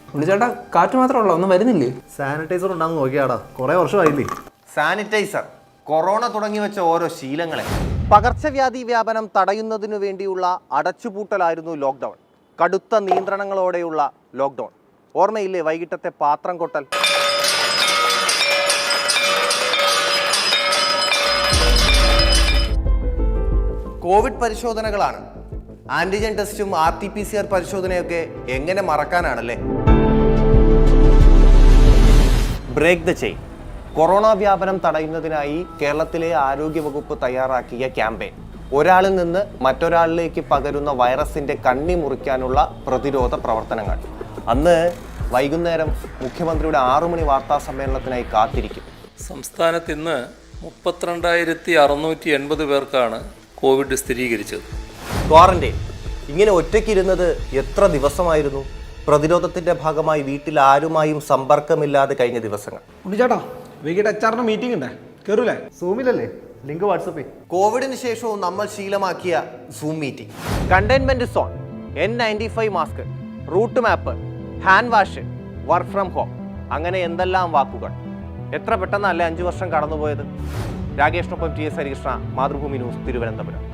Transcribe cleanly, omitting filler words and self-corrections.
ചേട്ടാ കാറ്റ് മാത്രമല്ല ഒന്നും വരുന്നില്ലേ? സാനിറ്റൈസർ ഉണ്ടാകുന്ന നോക്കിയാടാ, കുറെ വർഷമായില്ലേ. സാനിറ്റൈസർ കൊറോണ തുടങ്ങി വെച്ച ഓരോ ശീലങ്ങളെ. പകർച്ചവ്യാധി വ്യാപനം തടയുന്നതിനു വേണ്ടിയുള്ള അടച്ചുപൂട്ടലായിരുന്നു ലോക്ക്ഡൗൺ. കടുത്ത നിയന്ത്രണങ്ങളോടെയുള്ള ലോക്ക്ഡൗൺ. ഓർമ്മയില്ലേ വൈകിട്ടത്തെ പാത്രം കൊട്ടൽ? കോവിഡ് പരിശോധനകളാണ്. ആന്റിജൻ ടെസ്റ്റും RT-PCR പരിശോധനയൊക്കെ എങ്ങനെ മറക്കാനാണല്ലേ? Break the chain. കൊറോണ വ്യാപനം തടയുന്നതിനായി കേരളത്തിലെ ആരോഗ്യവകുപ്പ് തയ്യാറാക്കിയ ക്യാമ്പയിൻ. ഒരാളിൽ നിന്ന് മറ്റൊരാളിലേക്ക് പകരുന്ന വൈറസിന്റെ കണ്ണി മുറിക്കാനുള്ള പ്രതിരോധ പ്രവർത്തനങ്ങൾ. അന്ന് വൈകുന്നേരം മുഖ്യമന്ത്രിയുടെ 6 മണി വാർത്താ സമ്മേളനത്തിനായി കാത്തിരിക്കും. സംസ്ഥാനത്ത് ഇന്ന് 32,680 പേർക്കാണ് കോവിഡ് സ്ഥിരീകരിച്ചത്. ക്വാറന്റൈൻ. ഇങ്ങനെ ഒറ്റയ്ക്കിരുന്നത് എത്ര ദിവസമായിരുന്നു? പ്രതിരോധത്തിന്റെ ഭാഗമായി വീട്ടിൽ ആരുമായും സമ്പർക്കമില്ലാതെ കഴിഞ്ഞ ദിവസങ്ങൾ. ചേട്ടാ വൈകിട്ട് HR മീറ്റിംഗ് ഉണ്ട്, കയറൂലേ? സൂമിലല്ലേ? ലിങ്ക് വാട്സപ്പിൽ. കോവിഡിന് ശേഷവും നമ്മൾ ശീലമാക്കിയ Zoom meeting. Containment zone, N95 mask, route map, hand wash, work from home, അങ്ങനെ എന്തെല്ലാം വാക്കുകൾ. എത്ര പെട്ടെന്നല്ലേ 5 വർഷം കടന്നുപോയത്. രാകേഷിനൊപ്പം TS ഹരികൃഷ്ണ, മാതൃഭൂമി ന്യൂസ്, തിരുവനന്തപുരം.